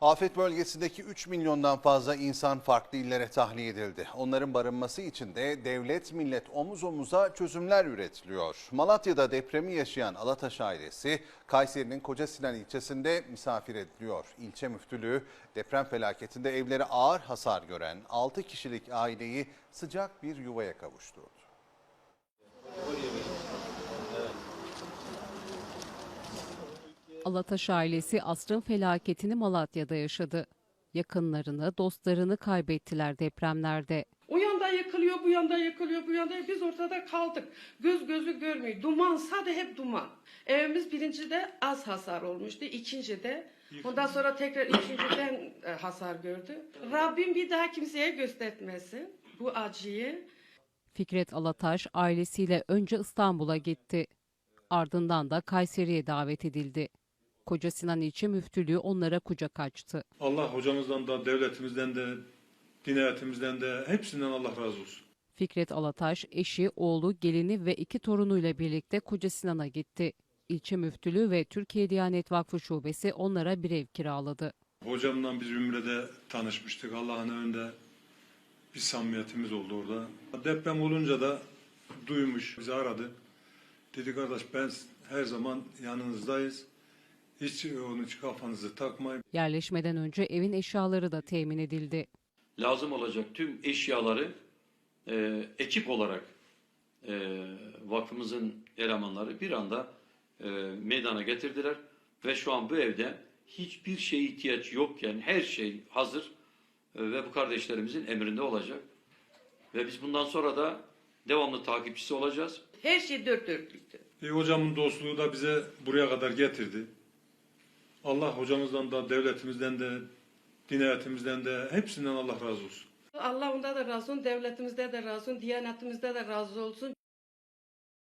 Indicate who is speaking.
Speaker 1: Afet bölgesindeki 3 milyondan fazla insan farklı illere tahliye edildi. Onların barınması için de devlet millet omuz omuza çözümler üretiliyor. Malatya'da depremi yaşayan Alataş ailesi Kayseri'nin Kocasinan ilçesinde misafir ediliyor. İlçe müftülüğü deprem felaketinde evleri ağır hasar gören 6 kişilik aileyi sıcak bir yuvaya kavuşturdu.
Speaker 2: Alataş ailesi asrın felaketini Malatya'da yaşadı. Yakınlarını, dostlarını kaybettiler depremlerde.
Speaker 3: O yanda yıkılıyor, bu yanda yıkılıyor, bu yanda biz ortada kaldık. Göz gözü görmüyor. Duman, sadece hep duman. Evimiz birincide az hasar olmuştu, ikincide. Ondan sonra tekrar ikinciden hasar gördü. Rabbim bir daha kimseye göstermesin bu acıyı.
Speaker 2: Fikret Alataş ailesiyle önce İstanbul'a gitti. Ardından da Kayseri'ye davet edildi. Kocasinan ilçe müftülüğü onlara kucak açtı.
Speaker 4: Allah hocamızdan da, devletimizden de, din hayatımızdan da hepsinden Allah razı olsun.
Speaker 2: Fikret Alataş, eşi, oğlu, gelini ve 2 torunuyla birlikte Kocasinan'a gitti. İlçe müftülüğü ve Türkiye Diyanet Vakfı Şubesi onlara bir ev kiraladı.
Speaker 4: Hocamla biz Ümre'de tanışmıştık. Allah'ın önünde bir samimiyetimiz oldu orada. Deprem olunca da duymuş, bizi aradı. Dedi kardeş ben her zaman yanınızdayız. Hiç kafanızı takmayın.
Speaker 2: Yerleşmeden önce evin eşyaları da temin edildi.
Speaker 5: Lazım olacak tüm eşyaları ekip olarak vakfımızın elemanları bir anda meydana getirdiler. Ve şu an bu evde hiçbir şeye ihtiyaç yokken her şey hazır ve bu kardeşlerimizin emrinde olacak. Ve biz bundan sonra da devamlı takipçisi olacağız.
Speaker 3: Her şey dört dörtlüktü.
Speaker 4: Hocamın dostluğu da bize buraya kadar getirdi. Allah hocamızdan da, devletimizden de, din hayatımızdan da hepsinden Allah razı olsun.
Speaker 3: Allah onda da razı olsun, devletimizde de razı olsun, diyanetimizde de razı olsun.